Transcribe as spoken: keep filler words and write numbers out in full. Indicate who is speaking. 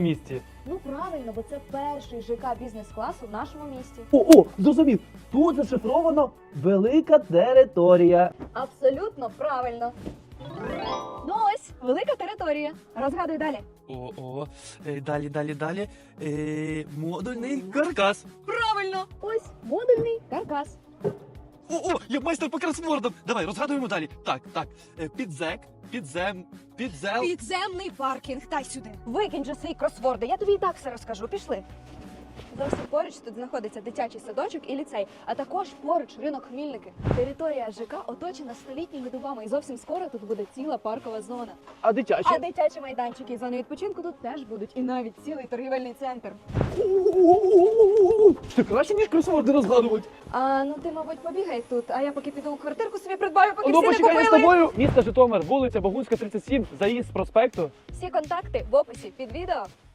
Speaker 1: місті?
Speaker 2: Ну правильно, бо це перший ЖК бізнес-класу в нашому місті.
Speaker 1: О, о, зрозумів. Тут зашифровано велика територія.
Speaker 2: Абсолютно правильно. Ну ось, велика територія. Розгадуй далі.
Speaker 3: О, о, е, далі, далі, далі. Е, модульний каркас.
Speaker 2: Правильно. Ось модульний каркас.
Speaker 3: О, о, я майстер по кросвордам. Давай, розгадуємо далі. Так, так. Е, підзек, підзем, підзел.
Speaker 4: Підземний паркінг, дай сюди.
Speaker 2: Викинь же свої кросворди, я тобі і так все розкажу. Пішли. Зовсім поруч тут знаходиться дитячий садочок і ліцей, а також поруч ринок Хмільники. Територія ЖК оточена столітніми дубами і зовсім скоро тут буде ціла паркова зона.
Speaker 1: А дитячі?
Speaker 2: А дитячі майданчики і зони відпочинку тут теж будуть, і навіть цілий торгівельний центр.
Speaker 1: Це краще, ніж кросворди розгадувати.
Speaker 2: А ну ти, мабуть, побігай тут, а я поки піду квартирку собі придбаю, поки
Speaker 1: Ну,
Speaker 2: всі не
Speaker 1: почекай, я з
Speaker 2: купили.
Speaker 1: тобою. Місто Житомир, вулиця Богунська, тридцять сім, заїзд з проспекту.
Speaker 2: Всі контакти в описі під відео.